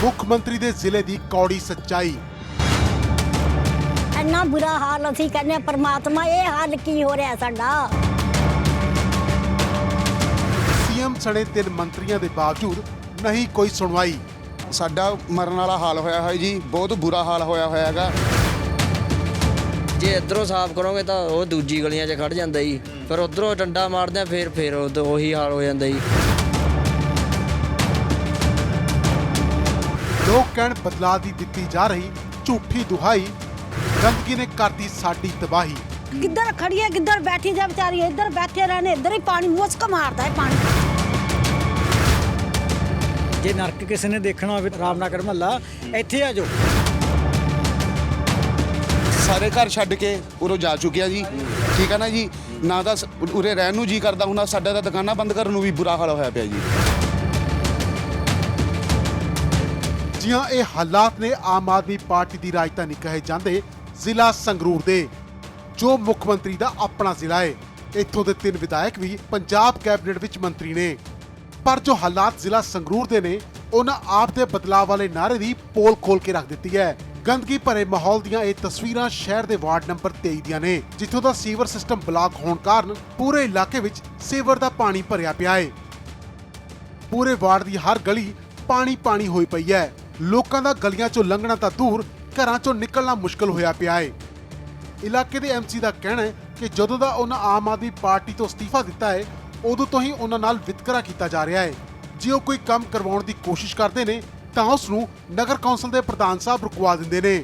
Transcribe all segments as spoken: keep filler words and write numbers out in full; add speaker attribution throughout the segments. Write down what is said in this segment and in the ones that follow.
Speaker 1: ਮੁੱਖ ਮੰਤਰੀ ਦੇ ਜ਼ਿਲ੍ਹੇ ਦੀ ਕੌੜੀ ਸੱਚਾਈ।
Speaker 2: ਇੰਨਾ ਬੁਰਾ ਹਾਲ ਅਸੀਂ ਕਹਿੰਦੇ ਪਰਮਾਤਮਾ ਇਹ ਹਾਲ ਕੀ ਹੋ ਰਿਹਾ ਸਾਡਾ।
Speaker 1: ਸੀਐਮ ਸਣੇ ਤਿੰਨ ਮੰਤਰੀਆਂ ਦੇ ਬਾਵਜੂਦ ਨਹੀਂ ਕੋਈ ਸੁਣਵਾਈ।
Speaker 3: ਸਾਡਾ ਮਰਨ ਵਾਲਾ ਹਾਲ ਹੋਇਆ ਹੋਇਆ ਜੀ, ਬਹੁਤ ਬੁਰਾ ਹਾਲ ਹੋਇਆ ਹੋਇਆ ਹੈਗਾ।
Speaker 4: ਜੇ ਇੱਧਰੋਂ ਸਾਫ਼ ਕਰੋਗੇ ਤਾਂ ਉਹ ਦੂਜੀ ਗਲੀਆਂ 'ਚ ਖੜ ਜਾਂਦਾ ਜੀ, ਫਿਰ ਉੱਧਰੋਂ ਡੰਡਾ ਮਾਰਦੇ ਆ ਫਿਰ ਫਿਰ ਉਹੀ ਹਾਲ ਹੋ ਜਾਂਦਾ ਜੀ।
Speaker 1: ਲੋਕ ਕਹਿਣ ਬਦਲਾਅ ਦੀ ਦਿੱਤੀ ਜਾ ਰਹੀ ਝੂਠੀ ਦੁਹਾਈ, ਗੰਦਗੀ ਨੇ ਕਰਤੀ ਸਾਡੀ ਤਬਾਹੀ।
Speaker 2: ਕਿੱਧਰ ਖੜੀ ਹੈ ਕਿੱਧਰ ਬੈਠੀ ਜਾ ਵਿਚਾਰੀ, ਇੱਧਰ ਬੈਠੇ ਰਹਿਣੇ ਇੱਧਰ ਹੀ ਪਾਣੀ ਮੁਸਕ ਮਾਰਦਾ ਹੈ ਪਾਣੀ।
Speaker 5: ਜੇ ਨਰਕ ਕਿਸੇ ਨੇ ਦੇਖਣਾ ਹੋਵੇ ਰਾਮਨਗਰ ਮਹੱਲਾ ਇੱਥੇ ਆ ਜਾਓ।
Speaker 3: ਸਾਰੇ ਘਰ ਛੱਡ ਕੇ ਉਰੋਂ ਜਾ ਚੁੱਕਿਆ ਜੀ, ਠੀਕ ਹੈ ਨਾ ਜੀ। ਨਾ ਤਾਂ ਸ- ਉਰੇ ਰਹਿਣ ਨੂੰ ਜੀ ਕਰਦਾ ਹੁਣ, ਸਾਡਾ ਤਾਂ ਦੁਕਾਨਾਂ ਬੰਦ ਕਰਨ ਨੂੰ ਵੀ ਬੁਰਾ ਹਾਲ ਹੋਇਆ ਪਿਆ ਜੀ।
Speaker 1: ਜੀ ਹਾਂ, ਇਹ ਹਾਲਾਤ ਨੇ ਆਮ ਆਦਮੀ ਪਾਰਟੀ ਦੀ ਰਾਜਧਾਨੀ ਕਹੇ ਜਾਂਦੇ ਜ਼ਿਲ੍ਹਾ ਸੰਗਰੂਰ ਦੇ, ਜੋ ਮੁੱਖ ਮੰਤਰੀ ਦਾ ਆਪਣਾ ਜ਼ਿਲ੍ਹਾ ਹੈ। ਇੱਥੋਂ ਦੇ ਤਿੰਨ ਵਿਧਾਇਕ ਵੀ ਪੰਜਾਬ ਕੈਬਨਿਟ ਵਿੱਚ ਮੰਤਰੀ ਨੇ, ਪਰ ਜੋ ਹਾਲਾਤ ਜ਼ਿਲ੍ਹਾ ਸੰਗਰੂਰ ਦੇ ਨੇ ਉਹਨਾਂ ਆਪ ਦੇ ਬਦਲਾਅ ਵਾਲੇ ਨਾਅਰੇ ਦੀ ਪੋਲ ਖੋਲ ਕੇ ਰੱਖ ਦਿੱਤੀ ਹੈ। ਗੰਦਗੀ ਭਰੇ ਮਾਹੌਲ ਦੀਆਂ ਇਹ ਤਸਵੀਰਾਂ ਸ਼ਹਿਰ ਦੇ ਵਾਰਡ ਨੰਬਰ ਤੇਈ ਦੀਆਂ ਨੇ, ਜਿੱਥੋਂ ਦਾ ਸੀਵਰ ਸਿਸਟਮ ਬਲਾਕ ਹੋਣ ਕਾਰਨ ਪੂਰੇ ਇਲਾਕੇ ਵਿੱਚ ਸੀਵਰ ਦਾ ਪਾਣੀ ਭਰਿਆ ਪਿਆ ਹੈ। ਪੂਰੇ ਵਾਰਡ ਦੀ ਹਰ ਗਲੀ ਪਾਣੀ ਪਾਣੀ ਹੋਈ ਪਈ ਹੈ। ਲੋਕਾਂ ਦਾ ਗਲੀਆਂ ਚੋਂ ਲੰਘਣਾ ਤਾਂ ਦੂਰ, ਘਰਾਂ ਚੋਂ ਨਿਕਲਣਾ ਮੁਸ਼ਕਲ ਹੋਇਆ ਪਿਆ ਹੈ। ਇਲਾਕੇ ਦੇ ਐਮਸੀ ਦਾ ਕਹਿਣਾ ਹੈ ਕਿ ਜਦੋਂ ਦਾ ਉਹਨਾਂ ਆਮ ਆਦਮੀ ਪਾਰਟੀ ਤੋਂ ਅਸਤੀਫਾ ਦਿੱਤਾ ਹੈ ਉਦੋਂ ਤੋਂ ਹੀ ਉਹਨਾਂ ਨਾਲ ਵਿਤਕਰਾ ਕੀਤਾ ਜਾ ਰਿਹਾ ਹੈ। ਜੇ ਉਹ ਕੋਈ ਕੰਮ ਕਰਵਾਉਣ ਦੀ ਕੋਸ਼ਿਸ਼ ਕਰਦੇ ਨੇ ਤਾਂ ਉਸ ਨੂੰ ਨਗਰ ਕੌਂਸਲ ਦੇ ਪ੍ਰਧਾਨ ਸਾਹਿਬ ਰੁਕਵਾ ਦਿੰਦੇ ਨੇ।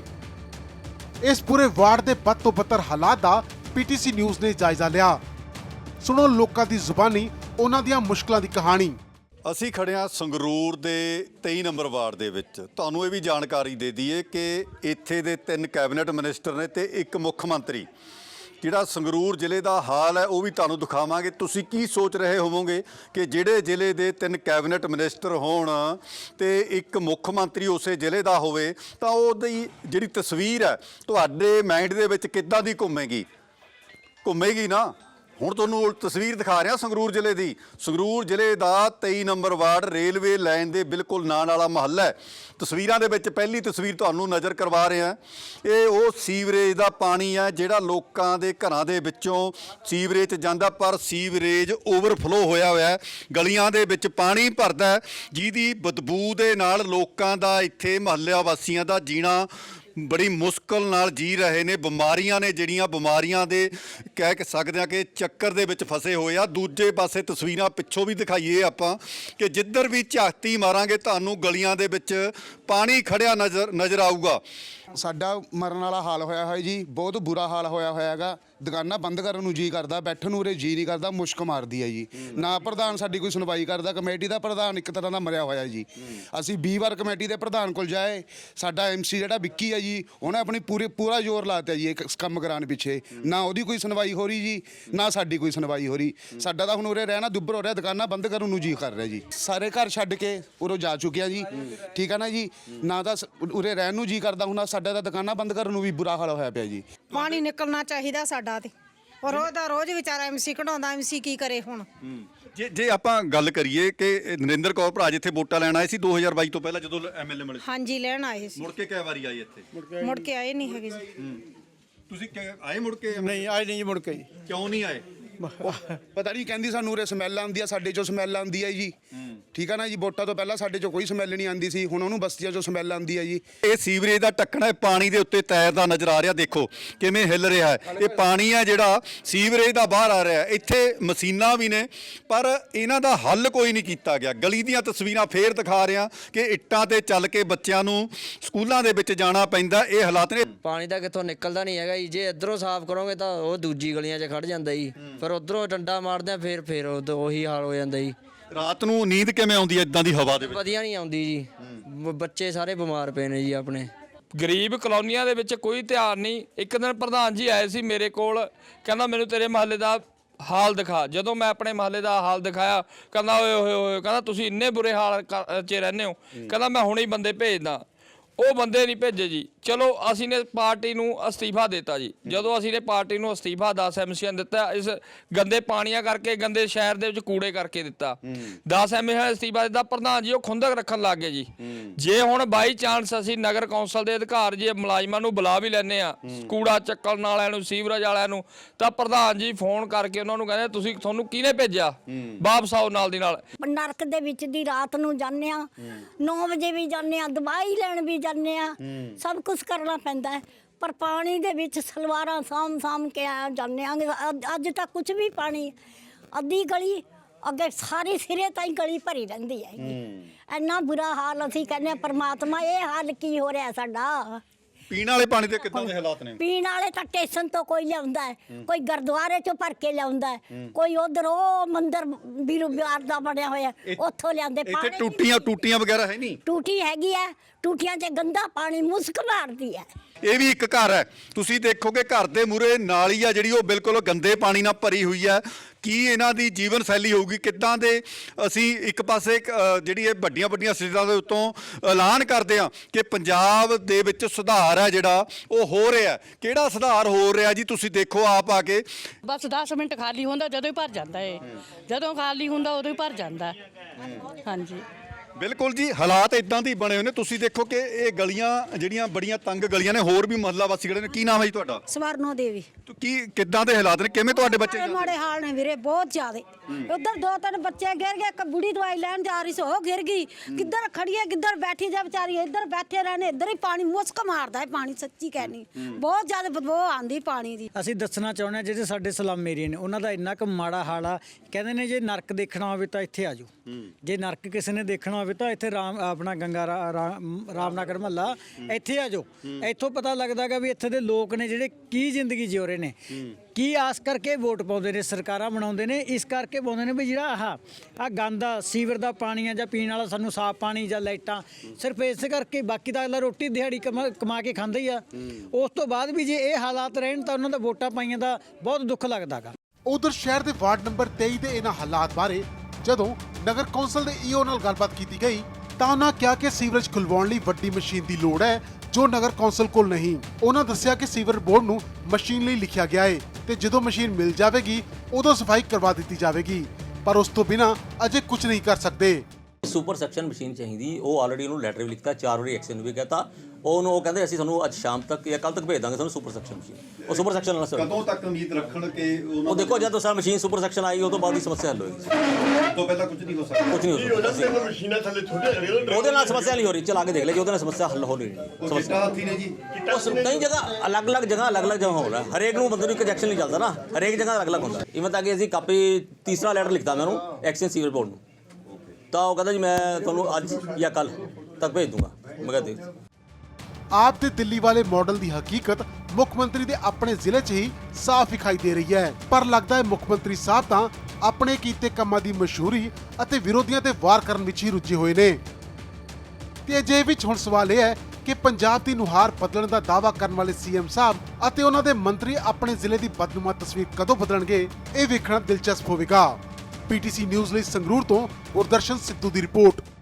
Speaker 1: ਇਸ ਪੂਰੇ ਵਾਰਡ ਦੇ ਬਦ ਤੋਂ ਬੱਤਰ ਹਾਲਾਤ ਦਾ ਪੀਟੀਸੀ ਨਿਊਜ਼ ਨੇ ਜਾਇਜ਼ਾ ਲਿਆ। ਸੁਣੋ ਲੋਕਾਂ ਦੀ ਜ਼ੁਬਾਨੀ ਉਹਨਾਂ ਦੀਆਂ ਮੁਸ਼ਕਲਾਂ ਦੀ ਕਹਾਣੀ।
Speaker 6: ਅਸੀਂ ਖੜੇ ਹਾਂ ਸੰਗਰੂਰ ਦੇ ਤੇਈ ਨੰਬਰ ਵਾਰਡ ਦੇ ਵਿੱਚ। ਤੁਹਾਨੂੰ ਇਹ ਵੀ ਜਾਣਕਾਰੀ ਦੇ ਦਈਏ ਕਿ ਇੱਥੇ ਦੇ ਤਿੰਨ ਕੈਬਨਿਟ ਮਿਨਿਸਟਰ ਨੇ ਤੇ ਇੱਕ ਮੁੱਖ ਮੰਤਰੀ। ਜਿਹੜਾ ਸੰਗਰੂਰ ਜ਼ਿਲ੍ਹੇ ਦਾ ਹਾਲ ਹੈ ਉਹ ਵੀ ਤੁਹਾਨੂੰ ਦਿਖਾਵਾਂਗੇ। ਤੁਸੀਂ ਕੀ ਸੋਚ ਰਹੇ ਹੋਵੋਗੇ ਕਿ ਜਿਹੜੇ ਜ਼ਿਲ੍ਹੇ ਦੇ ਤਿੰਨ ਕੈਬਨਿਟ ਮਿਨਿਸਟਰ ਹੋਣ ਤੇ ਇੱਕ ਮੁੱਖ ਮੰਤਰੀ ਉਸੇ ਜ਼ਿਲ੍ਹੇ ਦਾ ਹੋਵੇ ਤਾਂ ਉਹਦੀ ਜਿਹੜੀ ਤਸਵੀਰ ਹੈ ਤੁਹਾਡੇ ਮਾਈਂਡ ਦੇ ਵਿੱਚ ਕਿੱਦਾਂ ਦੀ ਘੁੰਮੇਗੀ ਘੁੰਮੇਗੀ ਨਾ। ਹੁਣ ਤੁਹਾਨੂੰ ਤਸਵੀਰ ਦਿਖਾ ਰਿਹਾ ਸੰਗਰੂਰ ਜ਼ਿਲ੍ਹੇ ਦੀ। ਸੰਗਰੂਰ ਜ਼ਿਲ੍ਹੇ ਦਾ ਤੇਈ ਨੰਬਰ ਵਾਰਡ ਰੇਲਵੇ ਲਾਈਨ ਦੇ ਬਿਲਕੁਲ ਨਾਲ ਵਾਲਾ ਮੁਹੱਲਾ ਹੈ। ਤਸਵੀਰਾਂ ਦੇ ਵਿੱਚ ਪਹਿਲੀ ਤਸਵੀਰ ਤੁਹਾਨੂੰ ਨਜ਼ਰ ਕਰਵਾ ਰਿਹਾ, ਇਹ ਉਹ ਸੀਵਰੇਜ ਦਾ ਪਾਣੀ ਹੈ ਜਿਹੜਾ ਲੋਕਾਂ ਦੇ ਘਰਾਂ ਦੇ ਵਿੱਚੋਂ ਸੀਵਰੇਜ 'ਚ ਜਾਂਦਾ, ਪਰ ਸੀਵਰੇਜ ਓਵਰਫਲੋ ਹੋਇਆ ਹੋਇਆ ਹੈ। ਗਲੀਆਂ ਦੇ ਵਿੱਚ ਪਾਣੀ ਭਰਦਾ, ਜਿਹਦੀ ਬਦਬੂ ਦੇ ਨਾਲ ਲੋਕਾਂ ਦਾ ਇੱਥੇ ਮੁਹੱਲਾ ਵਾਸੀਆਂ ਦਾ ਜੀਣਾ ਬੜੀ ਮੁਸ਼ਕਲ ਨਾਲ ਜੀ ਰਹੇ ਨੇ। ਬਿਮਾਰੀਆਂ ਨੇ ਜਿਹੜੀਆਂ ਬਿਮਾਰੀਆਂ ਦੇ ਕਹਿ ਕੇ ਸਕਦੇ ਹਾਂ ਕਿ ਚੱਕਰ ਦੇ ਵਿੱਚ ਫਸੇ ਹੋਏ ਆ। ਦੂਜੇ ਪਾਸੇ ਤਸਵੀਰਾਂ ਪਿੱਛੋਂ ਵੀ ਦਿਖਾਈਏ ਆਪਾਂ ਕਿ ਜਿੱਧਰ ਵੀ ਝਾਤੀ ਮਾਰਾਂਗੇ ਤੁਹਾਨੂੰ ਗਲੀਆਂ ਦੇ ਵਿੱਚ ਪਾਣੀ ਖੜਿਆ ਨਜ਼ਰ ਨਜ਼ਰ ਆਊਗਾ।
Speaker 3: ਸਾਡਾ ਮਰਨ ਵਾਲਾ ਹਾਲ ਹੋਇਆ ਹੋਇਆ ਜੀ, ਬਹੁਤ ਬੁਰਾ ਹਾਲ ਹੋਇਆ ਹੋਇਆ ਹੈਗਾ। ਦੁਕਾਨਾਂ ਬੰਦ ਕਰਨ ਨੂੰ ਜੀ ਕਰਦਾ, ਬੈਠਣ ਨੂੰ ਉਰੇ ਜੀ ਨਹੀਂ ਕਰਦਾ, ਮੁਸ਼ਕ ਮਾਰਦੀ ਹੈ ਜੀ। ਨਾ ਪ੍ਰਧਾਨ ਸਾਡੀ ਕੋਈ ਸੁਣਵਾਈ ਕਰਦਾ, ਕਮੇਟੀ ਦਾ ਪ੍ਰਧਾਨ ਇੱਕ ਤਰ੍ਹਾਂ ਦਾ ਮਰਿਆ ਹੋਇਆ ਜੀ। ਅਸੀਂ ਵੀਹ ਵਾਰ ਕਮੇਟੀ ਦੇ ਪ੍ਰਧਾਨ ਕੋਲ ਜਾਏ, ਸਾਡਾ ਐਮਸੀ ਜਿਹੜਾ ਵਿੱਕੀ ਹੈ ਜੀ ਉਹਨੇ ਆਪਣੀ ਪੂਰੇ ਪੂਰਾ ਜ਼ੋਰ ਲਾਤਾ ਜੀ ਇਹ ਕੰਮ ਕਰਾਉਣ ਪਿੱਛੇ। ਨਾ ਉਹਦੀ ਕੋਈ ਸੁਣਵਾਈ ਹੋ ਰਹੀ ਜੀ, ਨਾ ਸਾਡੀ ਕੋਈ ਸੁਣਵਾਈ ਹੋ ਰਹੀ। ਸਾਡਾ ਤਾਂ ਹੁਣ ਉਰੇ ਰਹਿਣਾ ਦੁੱਬਰ ਹੋ ਰਿਹਾ, ਦੁਕਾਨਾਂ ਬੰਦ ਕਰਨ ਨੂੰ ਜੀ ਕਰ ਰਿਹਾ ਜੀ। ਸਾਰੇ ਘਰ ਛੱਡ ਕੇ ਉਰੋਂ ਜਾ ਚੁੱਕਿਆ ਜੀ, ਠੀਕ ਹੈ ਨਾ ਜੀ। ਨਾ ਤਾਂ ਸ- ਉਰੇ ਰਹਿਣ ਨੂੰ ਜੀ ਕਰਦਾ ਹੁਣ, ਸਾਡਾ ਤਾਂ ਦੁਕਾਨਾਂ ਬੰਦ ਕਰਨ ਨੂੰ ਵੀ ਬੁਰਾ ਹਾਲ ਹੋਇਆ ਪਿਆ ਜੀ।
Speaker 7: ਪਾਣੀ ਨਿਕਲਣਾ ਚਾਹੀਦਾ ਸਾਡਾ ਤੇ, ਔਰ ਉਹਦਾ ਰੋਜ਼ ਵਿਚਾਰਾ ਐਮਸੀ ਕਢਾਉਂਦਾ, ਐਮਸੀ ਕੀ ਕਰੇ ਹੁਣ।
Speaker 6: ਜੇ ਜੇ ਆਪਾਂ ਗੱਲ ਕਰੀਏ ਕਿ ਨਰਿੰਦਰ ਕੌਰ ਭਰਾ ਜਿੱਥੇ ਵੋਟਾਂ ਲੈਣ ਆਏ ਸੀ ਦੋ ਹਜ਼ਾਰ ਬਾਈ ਤੋਂ ਪਹਿਲਾਂ ਜਦੋਂ ਐਮਐਲਏ ਮਿਲੇ,
Speaker 7: ਹਾਂਜੀ ਲੈਣ ਆਏ ਸੀ,
Speaker 6: ਮੁੜ ਕੇ ਕਈ ਵਾਰੀ ਆਏ ਇੱਥੇ?
Speaker 7: ਮੁੜ ਕੇ ਆਏ ਨਹੀਂ ਹੈਗੇ ਜੀ।
Speaker 6: ਤੁਸੀਂ ਕਿ- ਆਏ ਮੁੜ ਕੇ?
Speaker 5: ਨਹੀਂ ਆਏ ਨਹੀਂ ਜੀ ਮੁੜ ਕੇ ਜੀ।
Speaker 6: ਕਿਉਂ ਨਹੀਂ ਆਏ?
Speaker 3: ਪਤਾ ਨਹੀਂ, ਕਹਿੰਦੀ ਸਾਨੂੰ ਉਰੇ ਸਮੈਲ ਆਉਂਦੀ ਆ, ਸਾਡੇ ਚੋਂ ਸਮੈਲ ਆਉਂਦੀ ਹੈ ਜੀ, ਠੀਕ ਹੈ ਨਾ ਜੀ। ਵੋਟਾਂ ਤੋਂ ਪਹਿਲਾਂ ਸਾਡੇ ਚੋਂ ਕੋਈ ਸਮੈਲ ਨਹੀਂ ਆਉਂਦੀ ਸੀ, ਹੁਣ ਉਹਨੂੰ ਬਸਤੀਆਂ ਚੋਂ ਸਮੈਲ ਆਉਂਦੀ ਹੈ ਜੀ।
Speaker 6: ਇਹ ਸੀਵਰੇਜ ਦਾ ਢੱਕਣਾ ਹੈ ਪਾਣੀ ਦੇ ਉੱਤੇ ਤੈਰਦਾ ਨਜ਼ਰ ਆ ਰਿਹਾ, ਦੇਖੋ ਕਿਵੇਂ ਹਿੱਲ ਰਿਹਾ ਹੈ। ਇਹ ਪਾਣੀ ਹੈ ਜਿਹੜਾ ਸੀਵਰੇਜ ਦਾ ਬਾਹਰ ਆ ਰਿਹਾ। ਇੱਥੇ ਮਸ਼ੀਨਾਂ ਵੀ ਨੇ ਪਰ ਇਹਨਾਂ ਦਾ ਹੱਲ ਕੋਈ ਨਹੀਂ ਕੀਤਾ ਗਿਆ। ਗਲੀ ਦੀਆਂ ਤਸਵੀਰਾਂ ਫੇਰ ਦਿਖਾ ਰਿਹਾ ਕਿ ਇੱਟਾਂ ਤੇ ਚੱਲ ਕੇ ਬੱਚਿਆਂ ਨੂੰ ਸਕੂਲਾਂ ਦੇ ਵਿੱਚ ਜਾਣਾ ਪੈਂਦਾ। ਇਹ ਹਾਲਾਤ ਨੇ।
Speaker 4: ਪਾਣੀ ਤਾਂ ਕਿੱਥੋਂ ਨਿਕਲਦਾ ਨਹੀਂ ਹੈਗਾ ਜੀ। ਜੇ ਇੱਧਰੋਂ ਸਾਫ਼ ਕਰੋਗੇ ਤਾਂ ਉਹ ਦੂਜੀ ਗਲੀਆਂ 'ਚ ਖੜ ਜਾਂਦਾ ਜੀ, ਫਿਰ ਉੱਧਰੋਂ ਡੰਡਾ ਮਾਰਦੇ ਆ ਫਿਰ ਫਿਰ ਉਹੀ ਹਾਲ ਹੋ ਜਾਂਦਾ ਜੀ।
Speaker 6: ਰਾਤ ਨੂੰ ਨੀਂਦ ਕਿਵੇਂ ਆਉਂਦੀ ਹੈ ਇਦਾਂ ਦੀ ਹਵਾ ਦੇ ਵਿੱਚ?
Speaker 4: ਵਧੀਆ ਨਹੀਂ ਆਉਂਦੀ ਜੀ, ਬ- ਬੱਚੇ ਸਾਰੇ ਬਿਮਾਰ ਪਏ ਨੇ ਜੀ ਆਪਣੇ।
Speaker 8: ਗਰੀਬ ਕਲੋਨੀਆਂ ਦੇ ਵਿੱਚ ਕੋਈ ਧਿਆਨ ਨਹੀਂ। ਇੱਕ ਦਿਨ ਪ੍ਰਧਾਨ ਜੀ ਆਏ ਸੀ ਮੇਰੇ ਕੋਲ, ਕਹਿੰਦਾ ਮੈਨੂੰ ਤੇਰੇ ਮਹੱਲੇ ਦਾ ਹਾਲ ਦਿਖਾ। ਜਦੋਂ ਮੈਂ ਆਪਣੇ ਮਹੱਲੇ ਦਾ ਹਾਲ ਦਿਖਾਇਆ ਕਹਿੰਦਾ ਓਏ ਹੋਏ ਹੋਏ, ਕਹਿੰਦਾ ਤੁਸੀਂ ਇੰਨੇ ਬੁਰੇ ਹਾਲ 'ਚ ਰਹਿੰਦੇ ਹੋ, ਕਹਿੰਦਾ ਮੈਂ ਹੁਣੇ ਹੀ ਬੰਦੇ ਭੇਜਦਾ। ਉਹ ਬੰਦੇ ਨਹੀਂ ਭੇਜੇ ਜੀ। ਚਲੋ ਅਸੀਂ ਨੇ ਪਾਰਟੀ ਨੂੰ ਅਸਤੀਫਾ ਦਿੱਤਾ ਜੀ। ਜਦੋਂ ਅਸੀਂ ਨੇ ਪਾਰਟੀ ਨੂੰ ਅਸਤੀਫਾ ਦਸ ਐਮਸੀਆਂ ਦਿੱਤਾ, ਇਸ ਗੰਦੇ ਪਾਣੀਆਂ ਕਰਕੇ, ਗੰਦੇ ਸ਼ਹਿਰ ਦੇ ਵਿੱਚ ਕੂੜੇ ਕਰਕੇ ਦਿੱਤਾ। ਦਸ ਐਮਸੀਆਂ ਅਸਤੀਫਾ ਦਿੱਤਾ, ਪ੍ਰਧਾਨ ਜੀ ਉਹ ਖੁੰਦਕ ਰੱਖਣ ਲੱਗ ਗਏ ਜੀ। ਜੇ ਹੁਣ ਬਾਈ ਚਾਂਸ ਅਸੀਂ ਨਗਰ ਕੌਂਸਲ ਦੇ ਅਧਿਕਾਰ ਜੇ ਮੁਲਾਜ਼ਮਾਂ ਨੂੰ ਬੁਲਾ ਵੀ ਲੈਂਦੇ ਆ, ਕੂੜਾ ਚੱਕਣ ਵਾਲਿਆਂ ਨੂੰ, ਸੀਵਰੇਜ ਵਾਲਿਆਂ ਨੂੰ, ਤਾਂ ਪ੍ਰਧਾਨ ਜੀ ਫੋਨ ਕਰਕੇ ਉਹਨਾਂ ਨੂੰ ਕਹਿੰਦੇ ਤੁਸੀਂ ਤੁਹਾਨੂੰ ਕਿਹਨੇ ਭੇਜਿਆ, ਵਾਪਸ ਆਓ ਨਾਲ ਦੀ ਨਾਲ।
Speaker 2: ਨਰਕ ਦੇ ਵਿੱਚ ਦੀ ਰਾਤ ਨੂੰ ਜਾਂਦੇ ਆ, ਨੌ ਵਜੇ ਵੀ ਜਾਂਦੇ ਆ, ਦਵਾਈ ਲੈਣ ਵੀ ਜਾਂਦੇ ਆ, ਸਭ ਕੁਝ ਕਰਨਾ ਪੈਂਦਾ ਹੈ। ਪਰ ਪਾਣੀ ਦੇ ਵਿੱਚ ਸਲਵਾਰਾਂ ਸਾਂਭ ਸਾਂਭ ਕੇ ਆ ਜਾਂਦੇ ਆ। ਅੱਜ- ਅੱਜ ਤਾਂ ਕੁਝ ਵੀ ਪਾਣੀ, ਅੱਧੀ ਗਲੀ ਅੱਗੇ ਸਾਰੀ ਸਿਰੇ ਤਾਈਂ ਗਲੀ ਭਰੀ ਰਹਿੰਦੀ ਹੈ। ਇੰਨਾ ਬੁਰਾ ਹਾਲ, ਅਸੀਂ ਕਹਿੰਦੇ ਹਾਂ ਪਰਮਾਤਮਾ ਇਹ ਹਾਲ ਕੀ ਹੋ ਰਿਹਾ ਸਾਡਾ।
Speaker 6: ਪੀਣ ਵਾਲੇ ਪਾਣੀ ਦੇ ਕਿੱਦਾਂ ਦੇ ਹਾਲਾਤ ਨੇ?
Speaker 2: ਪੀਣ ਵਾਲੇ ਤਾਂ ਸਟੇਸ਼ਨ ਤੋਂ ਕੋਈ ਲਿਆਉਂਦਾ ਹੈ, ਕੋਈ ਗੁਰਦੁਆਰੇ ਚੋਂ ਭਰ ਕੇ ਲਿਆਉਂਦਾ ਹੈ, ਕੋਈ ਉਧਰ ਉਹ ਮੰਦਿਰ ਵੀਰੂ ਬਿਹਾਰ ਦਾ ਬਣਿਆ ਹੋਇਆ ਉੱਥੋਂ ਲਿਆਉਂਦੇ
Speaker 6: ਇੱਥੇ
Speaker 2: ਪਾਣੀ।
Speaker 6: ਟੂਟੀਆਂ ਟੂਟੀਆਂ ਵਗੈਰਾ ਹੈ ਨਹੀਂ?
Speaker 2: ਟੂਟੀ ਹੈਗੀ ਹੈ, ਟੂਟੀਆਂ 'ਚ ਗੰਦਾ ਪਾਣੀ ਮੁਸਕ ਮਾਰਦੀ ਹੈ।
Speaker 6: ਇਹ ਵੀ ਇੱਕ ਘਰ ਹੈ, ਤੁਸੀਂ ਦੇਖੋਗੇ ਘਰ ਦੇ ਮੂਹਰੇ ਨਾਲੀ ਆ ਜਿਹੜੀ ਉਹ ਬਿਲਕੁਲ ਗੰਦੇ ਪਾਣੀ ਨਾਲ ਭਰੀ ਹੋਈ ਹੈ। ਕੀ ਇਹਨਾਂ ਦੀ ਜੀਵਨ ਸ਼ੈਲੀ ਹੋਊਗੀ, ਕਿੱਦਾਂ ਦੇ? ਅਸੀਂ ਇੱਕ ਪਾਸੇ ਅ, ਜਿਹੜੀ ਇਹ ਵੱਡੀਆਂ ਵੱਡੀਆਂ ਸਟੇਜਾਂ ਦੇ ਉੱਤੋਂ ਐਲਾਨ ਕਰਦੇ ਆ ਕਿ ਪੰਜਾਬ ਦੇ ਵਿੱਚ ਸੁਧਾਰ ਹੈ ਜਿਹੜਾ ਉਹ ਹੋ ਰਿਹਾ। ਕਿਹੜਾ ਸੁਧਾਰ ਹੋ ਰਿਹਾ ਜੀ? ਤੁਸੀਂ ਦੇਖੋ ਆਪ ਆ ਕੇ।
Speaker 9: ਬਸ ਦਸ ਮਿੰਟ ਖਾਲੀ ਹੁੰਦਾ ਜਦੋਂ ਹੀ ਭਰ ਜਾਂਦਾ ਏ, ਜਦੋਂ ਖਾਲੀ ਹੁੰਦਾ ਉਦੋਂ ਹੀ ਭਰ ਜਾਂਦਾ। ਹਾਂਜੀ
Speaker 6: ਬਿਲਕੁਲ ਜੀ, ਹਾਲਾਤ ਇਦਾਂ ਦੇ ਬਣੇ ਹੋਏ ਨੇ। ਤੁਸੀਂ ਦੇਖੋ ਕਿ ਇਹ ਗਲੀਆਂ ਜਿਹੜੀਆਂ ਬੜੀਆਂ ਤੰਗ ਗਲੀਆਂ ਨੇ। ਹੋਰ ਵੀ ਮਹੱਲਾ ਵਾਸੀ ਖੜੇ ਨੇ। ਕੀ ਨਾਮ ਹੈ ਜੀ ਤੁਹਾਡਾ?
Speaker 7: ਸਵਰਨੋ ਦੇਵੀ।
Speaker 6: ਤੂੰ ਕੀ ਕਿੱਦਾਂ ਦੇ ਹਾਲਾਤ ਨੇ? ਕਿਵੇਂ ਤੁਹਾਡੇ ਬੱਚੇ
Speaker 7: ਮਾੜੇ ਮਾੜੇ ਹਾਲ ਨੇ ਵੀਰੇ, ਬਹੁਤ ਜ਼ਿਆਦੇ। ਉਧਰ ਦੋ ਤਿੰਨ ਬੱਚੇ ਗਿਰ ਗਏ, ਇੱਕ ਬੁੜੀ ਦਵਾਈ ਲੈਣ ਜਾ ਰਹੀ ਸੀ ਉਹ ਗਿਰ ਗਈ। ਕਿੱਧਰ ਖੜੀ ਹੈ, ਕਿੱਧਰ ਬੈਠੀ ਜਾ ਵਿਚਾਰੀ, ਇੱਧਰ ਬੈਠੇ ਰਹਿਣੇ, ਇੱਧਰ ਹੀ ਪਾਣੀ ਮੁਸਕ ਮਾਰਦਾ ਹੈ ਪਾਣੀ। ਸੱਚੀ ਕਹਿਣੀ ਬਹੁਤ ਜ਼ਿਆਦਾ ਬਦਬੂ ਆਂਦੀ ਪਾਣੀ ਦੀ।
Speaker 5: ਅਸੀਂ ਦੱਸਣਾ ਚਾਹੁੰਦੇ ਹਾਂ ਜਿਹੜੇ ਸਾਡੇ ਸਲਮ ਏਰੀਏ ਨੇ ਉਹਨਾਂ ਦਾ ਇੰਨਾ ਕੁ ਮਾੜਾ ਹਾਲ ਆ। ਕਹਿੰਦੇ ਨੇ ਜੇ ਨਰਕ ਦੇਖਣਾ ਹੋਵੇ ਤਾਂ ਇੱਥੇ ਆ ਜਾਓ, ਜੇ ਨਰਕ ਕਿਸੇ ਨੇ ਦੇਖਣਾ ਹੋਵੇ ਤਾਂ ਇੱਥੇ ਰਾਮ ਆਪਣਾ ਗੰਗਾ ਰਾ- ਰਾ- ਰਾਮਨਗਰ ਮਹੱਲਾ ਇੱਥੇ ਆ ਜਾਓ। ਇੱਥੋਂ ਪਤਾ ਲੱਗਦਾ ਗਾ ਵੀ ਇੱਥੇ ਦੇ ਲੋਕ ਨੇ ਜਿਹੜੇ ਕੀ ਜ਼ਿੰਦਗੀ ਜਿਉ ਰਹੇ ਨੇ, ਕੀ ਆਸ ਕਰਕੇ ਵੋਟ ਪਾਉਂਦੇ ਨੇ, ਸਰਕਾਰਾਂ ਬਣਾਉਂਦੇ ਨੇ ਇਸ ਕਰਕੇ ਪਾਉਂਦੇ ਨੇ ਵੀ ਜਿਹੜਾ ਆਹ ਆ ਗੰਦਾ ਸੀਵਰ ਦਾ ਪਾਣੀ ਆ ਜਾਂ ਪੀਣ ਵਾਲਾ ਸਾਨੂੰ ਸਾਫ਼ ਪਾਣੀ ਜਾਂ ਲਾਈਟਾਂ, ਸਿਰਫ ਇਸੇ ਕਰਕੇ। ਬਾਕੀ ਤਾਂ ਅਗਲਾ ਰੋਟੀ ਦਿਹਾੜੀ ਕਮਾ ਕਮਾ ਕੇ ਖਾਂਦਾ ਹੀ ਆ। ਉਸ ਤੋਂ ਬਾਅਦ ਵੀ ਜੇ ਇਹ ਹਾਲਾਤ ਰਹਿਣ ਤਾਂ ਉਹਨਾਂ ਦਾ ਵੋਟਾਂ ਪਾਈਆਂ ਦਾ ਬਹੁਤ ਦੁੱਖ ਲੱਗਦਾ ਗਾ।
Speaker 1: ਉਧਰ ਸ਼ਹਿਰ ਦੇ ਵਾਰਡ ਨੰਬਰ ਤੇਈ ਦੇ ਇਹਨਾਂ ਹਾਲਾਤ ਬਾਰੇ ਜਦੋਂ ਨਗਰ ਕੌਂਸਲ ਦੇ ਈਓ ਨਾਲ ਗੱਲਬਾਤ ਕੀਤੀ ਗਈ ਤਾਂ ਉਹਨਾਂ ਕਿਹਾ ਕਿ ਸੀਵਰੇਜ ਖੁਲਵਾਉਣ ਲਈ ਵੱਡੀ ਮਸ਼ੀਨ ਦੀ ਲੋੜ ਹੈ ਜੋ ਨਗਰ ਕੌਂਸਲ ਕੋਲ ਨਹੀਂ। ਉਹਨਾਂ ਦੱਸਿਆ ਕਿ ਸੀਵਰ ਬੋਰਡ ਨੂੰ ਮਸ਼ੀਨ ਲਈ ਲਿਖਿਆ ਗਿਆ ਹੈ ਤੇ ਜਦੋਂ ਮਸ਼ੀਨ ਮਿਲ ਜਾਵੇਗੀ ਉਦੋਂ ਸਫਾਈ ਕਰਵਾ ਦਿੱਤੀ ਜਾਵੇਗੀ, ਪਰ ਉਸ ਤੋਂ ਬਿਨਾਂ ਅਜੇ ਕੁਝ ਨਹੀਂ ਕਰ ਸਕਦੇ।
Speaker 10: ਸੁਪਰ ਸੈਕਸ਼ਨ ਮਸ਼ੀਨ ਚਾਹੀਦੀ, ਉਹ ਆਲਰੇਡੀ ਉਹਨੂੰ ਲੈਟਰ ਵੀ ਲਿਖਤਾ, ਚਾਰ ਵਾਰੀ ਐਕਸ਼ਨ ਵੀ ਕਹਤਾ ਉਹਨੂੰ। ਉਹ ਕਹਿੰਦੇ ਅਸੀਂ ਤੁਹਾਨੂੰ ਅੱਜ ਸ਼ਾਮ ਤੱਕ ਜਾਂ ਕੱਲ ਤੱਕ ਭੇਜ ਦਾਂਗੇ ਤੁਹਾਨੂੰ ਸੁਪਰ ਸੈਕਸ਼ਨ ਮਸ਼ੀਨ। ਉਹ ਸੁਪਰ ਸੈਕਸ਼ਨ ਨਾਲ ਸਰ
Speaker 6: ਕਦੋਂ ਤੱਕ ਉਮੀਦ ਰੱਖਣ ਕਿ
Speaker 10: ਉਹ ਦੇਖੋ ਜਦੋਂ ਸਾ ਮਸ਼ੀਨ ਸੁਪਰ ਸੈਕਸ਼ਨ ਆਈ ਉਹ ਤੋਂ ਬਾਅਦ ਹੀ ਸਮੱਸਿਆ ਹੱਲ ਹੋਏਗੀ।
Speaker 6: ਤੋਂ ਪਹਿਲਾਂ ਕੁਝ ਨਹੀਂ ਹੋ ਸਕਦਾ।
Speaker 10: ਕੁਝ ਨਹੀਂ ਹੋ ਸਕਦਾ, ਮਸ਼ੀਨਾਂ ਥੱਲੇ ਥੋੜੇ ਉਹਦੇ ਨਾਲ ਸਮੱਸਿਆ ਨਹੀਂ ਹੋ ਰਹੀ। ਚਲਾ ਕੇ ਦੇਖ ਲੈ ਜੀ, ਉਹਦੇ ਨਾਲ ਸਮੱਸਿਆ ਹੱਲ ਹੋ ਰਹੀ ਹੈ।
Speaker 6: ਸਮੱਸਿਆ ਹਾਥੀ ਨੇ ਜੀ
Speaker 10: ਉਸ ਕਈ ਜਗ੍ਹਾ ਅਲੱਗ-ਅਲੱਗ ਜਗ੍ਹਾ ਅਲੱਗ-ਅਲੱਗ ਜਗ੍ਹਾ ਹੋ ਰਿਹਾ। ਹਰੇਕ ਨੂੰ ਬੰਦੇ ਨੂੰ ਇੱਕ ਐਕਸ਼ਨ ਨਹੀਂ ਚੱਲਦਾ ਨਾ, ਹਰੇਕ ਜਗ੍ਹਾ ਅਲੱਗ-ਅਲੱਗ ਹੁੰਦਾ। ਇਵੇਂ ਤਾਂ ਕਿ ਅਸੀਂ ਕਾਪੀ ਤੀਸਰਾ ਲੈਟਰ ਲਿਖਦਾ ਮੈਂ ਉਹਨੂੰ ਐਕਸ਼ਨ ਸੀਵਰ ਬੋਰਡ ਨੂੰ, ਤਾਂ ਉਹ ਕਹਿੰਦਾ ਜੀ ਮੈਂ ਤੁਹਾਨੂੰ ਅੱਜ ਜਾਂ ਕੱਲ ਤੱਕ ਭੇਜ ਦੂੰਗਾ। ਮੈਂ ਕਹਿੰਦਾ
Speaker 1: ਆਪ ਦੇ ਦਿੱਲੀ ਵਾਲੇ ਮਾਡਲ ਦੀ ਹਕੀਕਤ ਮੁੱਖ ਮੰਤਰੀ ਦੇ ਆਪਣੇ ਜ਼ਿਲ੍ਹੇ 'ਚ ਹੀ ਸਾਫ਼ ਦਿਖਾਈ ਦੇ ਰਹੀ ਹੈ। ਪਰ ਲੱਗਦਾ ਹੈ ਮੁੱਖ ਮੰਤਰੀ ਸਾਹਿਬ ਤਾਂ ਆਪਣੇ ਕੀਤੇ ਕੰਮਾਂ ਦੀ ਮਸ਼ਹੂਰੀ ਅਤੇ ਵਿਰੋਧੀਆਂ ਤੇ ਵਾਰ ਕਰਨ ਵਿੱਚ ਹੀ ਰੁੱਝੇ ਹੋਏ ਨੇ। ਤੇ ਅਜੇ ਵਿੱਚ ਹੁਣ ਸਵਾਲ ਇਹ ਹੈ ਕਿ ਪੰਜਾਬ ਦੀ ਨੁਹਾਰ ਬਦਲਣ ਦਾ ਦਾਅਵਾ ਕਰਨ ਵਾਲੇ ਸੀਐਮ ਸਾਹਿਬ ਅਤੇ ਉਹਨਾਂ ਦੇ ਮੰਤਰੀ ਆਪਣੇ ਜ਼ਿਲ੍ਹੇ ਦੀ ਬਦਨੁਮਾ ਤਸਵੀਰ ਕਦੋਂ ਬਦਲਣਗੇ, ਇਹ ਵੇਖਣਾ ਦਿਲਚਸਪ ਹੋਵੇਗਾ। ਪੀਟੀਸੀ ਨਿਊਜ਼ ਲਈ ਸੰਗਰੂਰ ਤੋਂ ਗੁਰਦਰਸ਼ਨ ਸਿੱਧੂ ਦੀ ਰਿਪੋਰਟ।